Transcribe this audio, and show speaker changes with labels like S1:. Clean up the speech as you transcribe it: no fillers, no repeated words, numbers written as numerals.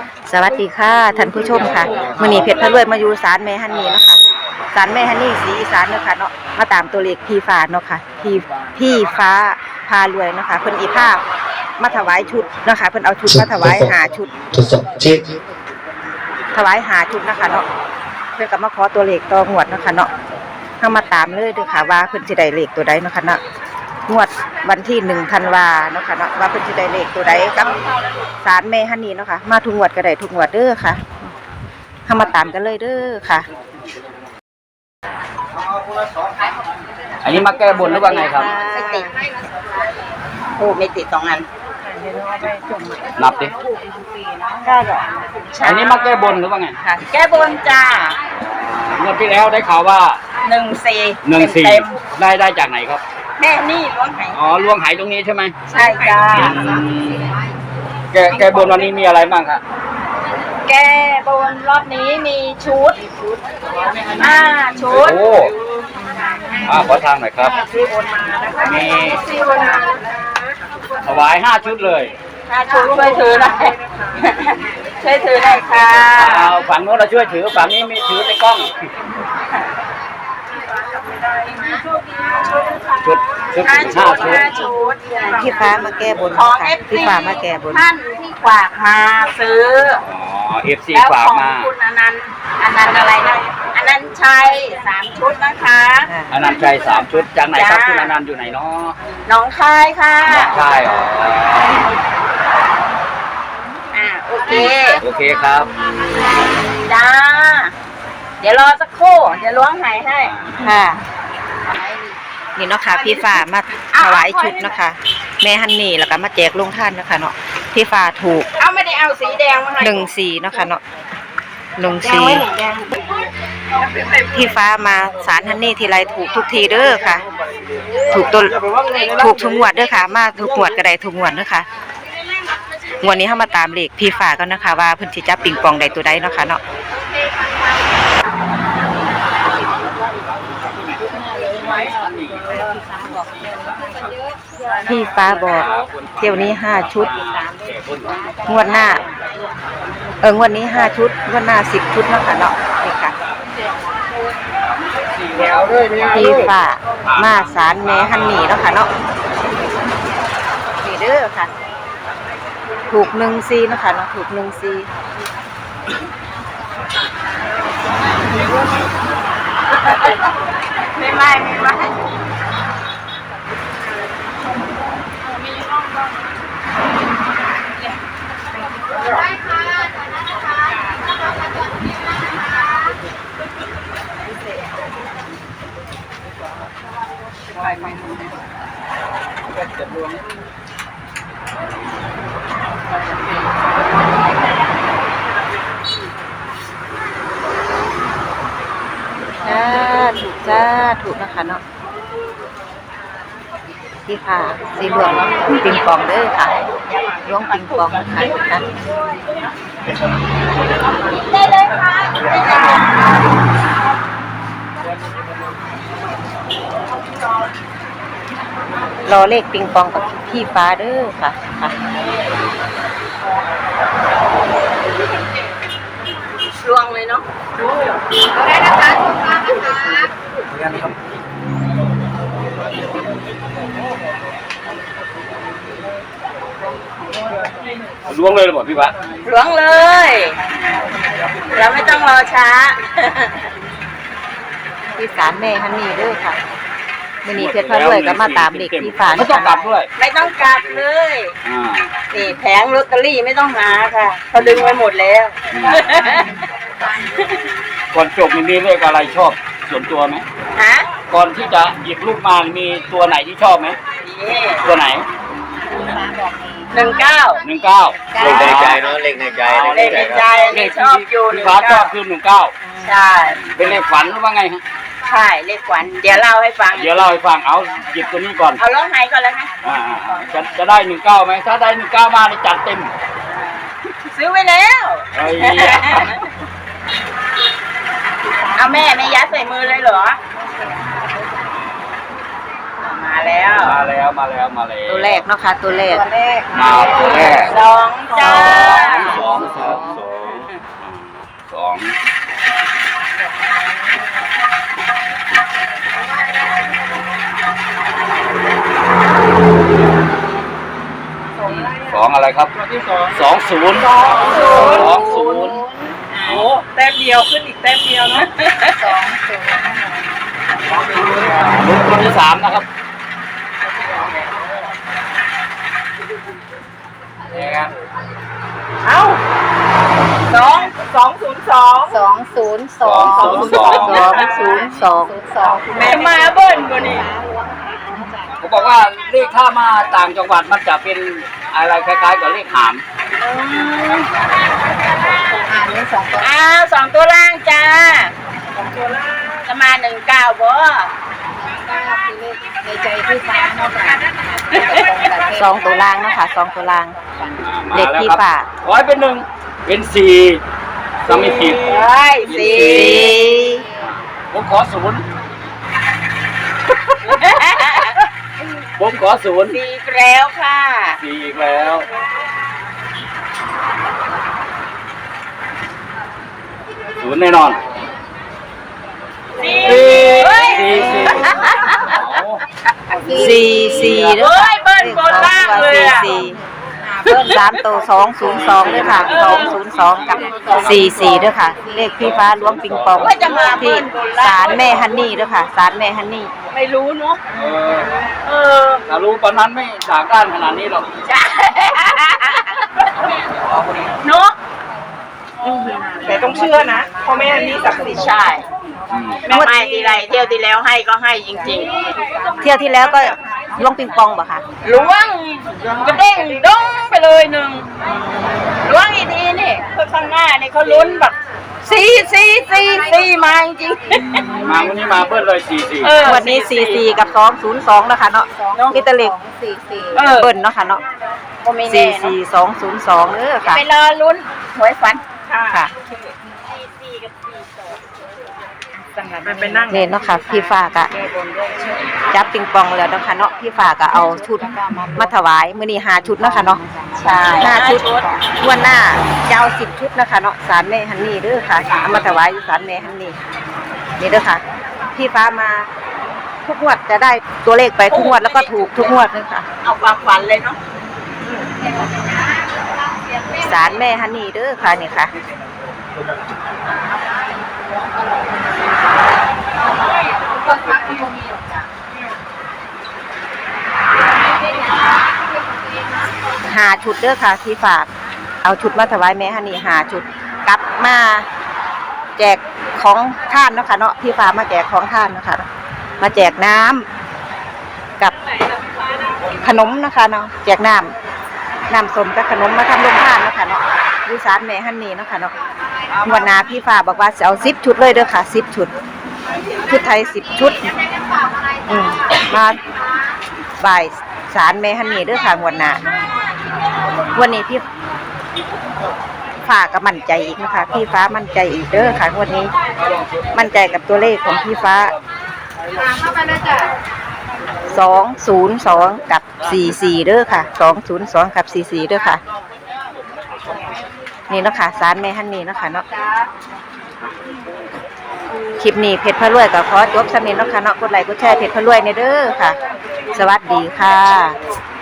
S1: สวัสดีค่ะท่านผู้ชมค่ะมื้อนี้เพชรพะรวยมาอยู่ศาลแม่ฮันนี่เนาะค่ะศาลแม่ฮันนี่ศรีอีสานเนาะค่ะเนาะมาตามตัวเลขพี่ฟ้าเนาะค่ะพี่ฟ้าพารวยเนาะค่ะเพิ่นอีภาพมาถวายชุดเนาะค่ะเพิ่นเอาชุดมาถวาย5ชุดถวาย5ชุดนะคะเนาะเพิ่นก็มาขอตัวเลขต่องวดเนาะค่ะเนาะเฮามาตามเลยเด้อค่ะว่าเพิ่นสิได้เลขตัวใดเนาะค่ะเนาะงวดวันที่1 ธันวาเนาะค่ะเนาะว่าเพิ่นสิได้เลขตัวใดกับศาลแม่ฮันนี่เนาะค่ะมาทุกงวดก็ได้ทุกงวดเด้อค่ะเฮามาตามกันเลยเด้อค่ะ
S2: อันนี้มาแก้บนหรือว่าไงครับ
S1: ไม่ติดโอ้ไม่ติด2 อัน
S2: นับดิ
S1: ได้หรอ
S2: อันนี้มาแก้บนหรือว่าไง
S1: ค่ะแก้บนจ้า
S2: เมื่อที่แล้วได้ข่าวว่า
S1: 14
S2: ได้จากไหนครับ
S1: แม่นี่ล้วงไห
S2: อ๋อล้วงไหตรงนี้ใช่ไหม
S1: ใช่จ้า
S2: แก้บนวันนี้มีอะไรบ้างครับ
S1: แก้บนรอบนี้มีชุดชุด
S2: โอ้ขอทางหน่อยครับมีถวาย5 ชุดเลย
S1: 5 ชุดช่วยถือหน่อยช่วยถือหน่อยค่ะ
S2: ฝั่งโน้นเราช่วยถือฝั่งนี้มีถือในกล้องชุด5 ชุด
S1: พี่ฟ้ามาแก้บนค่ะพี่ฟ้ามาแก้บน
S3: ท่านที่ฝากมาซื้อ
S2: FC ฝากมา
S3: คุณอนันต์อะไรนะอนันต์ชัย3 ชุดนะคะ
S2: อนันต์ชัย3 ชุดจากไหนครับคุณอนันต์อยู่ไหนเนาะ
S3: หนองคายค่ะ
S2: หนองคาย
S3: โอเค
S2: ครับ
S3: จ้าเดี๋ยวรอสักครู่เดี๋ยวล้วงไหให้
S1: ค่ะนี่เนาะค่ะพี่ฟ้ามาถวายชุดเนาะค่ะแม่ฮันนี่แล้วก็มาแจกลงท่านเนาะค่ะเนาะพี่ฟ้าถูก
S3: ไม่ได้เอาสีแดงมา
S1: ให้14เนาะค่ะเนาะ14พี่ฟ้ามาศาลฮันนี่ทีไรถูกทุกทีเด้อค่ะถูกทุกงวดเด้อค่ะมาทุกงวดก็ได้ทุกงวดเด้อค่ะงวดนี้เฮามาตามเลขพี่ฟ้ากันนะคะว่าเพิ่นสิจับปิงปองได้ตัวใดเนาะค่ะเนาะพี่ฟ้าบอกเที่ยวนี้5 ชุดงวดหน้างวดนี้5 ชุดงวดหน้า10 ชุดเนาะค่ะเนาะนี่ค่ะพี่ฟ้ามาศาลแม่ฮันนี่เนาะค่ะเนาะนี่เด้อค่ะถูก14เนาะค่ะเนาะถูก14
S3: ไม่
S1: ถูกนะคะเนาะที่ค่ะสีเหลืองปิงปองเด้อค่ะล้วงปิงปองค่ะ
S3: ได้เลยค่ะ
S1: รอเลขปิงปองกับพี่ฟ้าเด้อค่ะ
S3: ลวงเลยเนาะได้นะคะ
S2: ล้วงเลยหรือเปล่าพี่วะ
S3: ล้วงเลยเราไม่ต้องรอช้า
S1: ที่ศาลแม่ฮันนี่เด้อค่ะมื้อนี้เพชรพะรวยก็มาตามเลขพี่ฟ้า
S2: ไม่ต้องกลับด้วย
S3: ไม่ต้องกลับเลยนี่แผงลอตเตอรี่ไม่ต้องหาค่ะเขาดึงไว้หมดแล้ว
S2: ก่อนจบมีเลขอะไรชอบส่วนตัวไหมก่อนที่จะหยิบลูกมามีตัวไหนที่ชอบไหมตัวไหน
S3: 19
S2: เลขในใจเนาะเลขในใจ
S3: นี่ชอบอยู่
S2: พี่ฟ้าชอบคือ19
S3: ใช่
S2: เป็นเลขฝันหรือว่าไงฮะ
S3: ใช่เลขฝันเดี๋ยวเล่าให้ฟัง
S2: เอาหยิบตัวนี้ก่อน
S3: เอาล้อไหก่อนเลยนะ
S2: จะได้19ไหมถ้าได้19มาจัดเต็ม
S3: ซื้อไว้แล้วเอาแม่ไม่ยัดใส่มือเลยเหรอมาแล้ว
S1: ตัวแรกเนาะค่ะตัวแรก
S3: มาตัวแรก2 จ้า
S2: 2อะไรครับที่20
S3: โอ้แต้มเดียวขึ้นอีกแต้มเดียวนะ
S2: ลุ้นตัวที่3นะครับนี่ครับ
S3: เอ้าแม่มาเบิ้ลกว่านี้
S2: ผมบอกว่าเลขถ้ามาต่างจังหวัดมันจะเป็นอะไรคล้ายๆกับเลขหาม
S3: 2 ตัวล่างจ้าจะมา19บ่ในใจพี่ฟ้าเนาะค่ะ
S1: 2ตัวล่างเนาะค่ะ2ตัวล่างเลขพี่ฟ้า
S2: ขอให้เป็น1เป็น4ถ้าไม่ผิด4ผมขอ0ผมขอ0
S3: 4อีกแล้วค่ะ
S2: 4อีกแล้ว0แน่นอน4
S1: เด้อค่ะ
S3: เบิ้ลบนล่างเลยอ่ะ
S1: เบิ้ล3ตัว202เด้อค่ะ202กับ44เด้อค่ะเลขพี่ฟ้าล้วงปิงปองที่ศาลแม่ฮันนี่เด้อค่ะศาลแม่ฮันนี่
S3: ไม่รู้เนาะ
S2: ถ้ารู้ตอนนั้นไม่ด่าก้านขนาดนี้หรอก
S3: เนาะแต่ต้องเชื่อนะเพราะแม่ฮันนี่ศักดิ์สิทธิ์ใช่แม่ให้ทีไรเที่ยวที่แล้วให้ก็ให้จริง
S1: ๆเที่ยวที่แล้วก็ล้วงปิงปองบ่ค่ะ
S3: ล้วงกระเด้งด้งไปเลย1ล้วงอีกทีนี่ข้างหน้านี่เขาลุ้นแบบ4มาจริง
S2: มาวันนี้มาเบิ้ลเลย44
S1: วันนี้44กับ202แล้วค่ะเนาะมีตะเล็ก44เบิ้ลเนาะค่ะเนาะ44202ค่ะ
S3: ไปรอลุ้นหวยฝัน
S1: ค่ะเนี่ยเนาะค่ะพี่ฝากอะจับปิงปองแล้วเนาะค่ะเนาะพี่ฝากอะเอาชุดมาถวายมื้อนี้5ชุดเนาะค่ะเนาะ
S3: ใช่
S1: 5ชุดวันหน้าจะเอา10ชุดนะคะเนาะศาลแม่ฮันนี่เด้อค่ะเอามาถวายศาลแม่ฮันนี่นี่เด้อค่ะพี่ฟ้ามาทุกงวดจะได้ตัวเลขไปทุกงวดแล้วก็ถูกทุกงวดเลยค่ะ
S3: เอาความฝันเลยเนาะ
S1: ศาลแม่ฮันนี่เด้อค่ะนี่ค่ะ5ชุดเด้อค่ะที่ฝากเอาชุดมาถวายแม่ฮันนี่5ชุดกลับมาแจกของท่านเนาะค่ะเนาะพี่ฝากมาแจกของท่านนะคะมาแจกน้ำกับขนมนะคะเนาะแจกน้ำส้มกับขนมมาทำโรงทานเนาะค่ะเนาะวิสานแม่ฮันนี่เนาะค่ะเนาะวันนาพี่ฟ้าบอกว่าจะเอา10ชุดเลยเด้อค่ะ10ชุดไทย10ชุดมาบ่ายศาลแม่ฮันนี่เด้อค่ะวันนาวันนี้พี่ฟ้าก็มั่นใจอีกนะคะพี่ฟ้ามั่นใจอีกเด้อค่ะวันนี้มั่นใจกับตัวเลขของพี่ฟ้า202กับ44เด้อค่ะ202กับ44เด้อค่ะนี่เนาะค่ะศาลแม่ฮันนี่เนาะค่ะเนาะคลิปนี้เพชรพระรวยก็ขอจบสำเนียงเนาะค่ะเนาะกดไลค์กดแชร์เพชรพระรวยเนี่ยเด้อค่ะสวัสดีค่ะ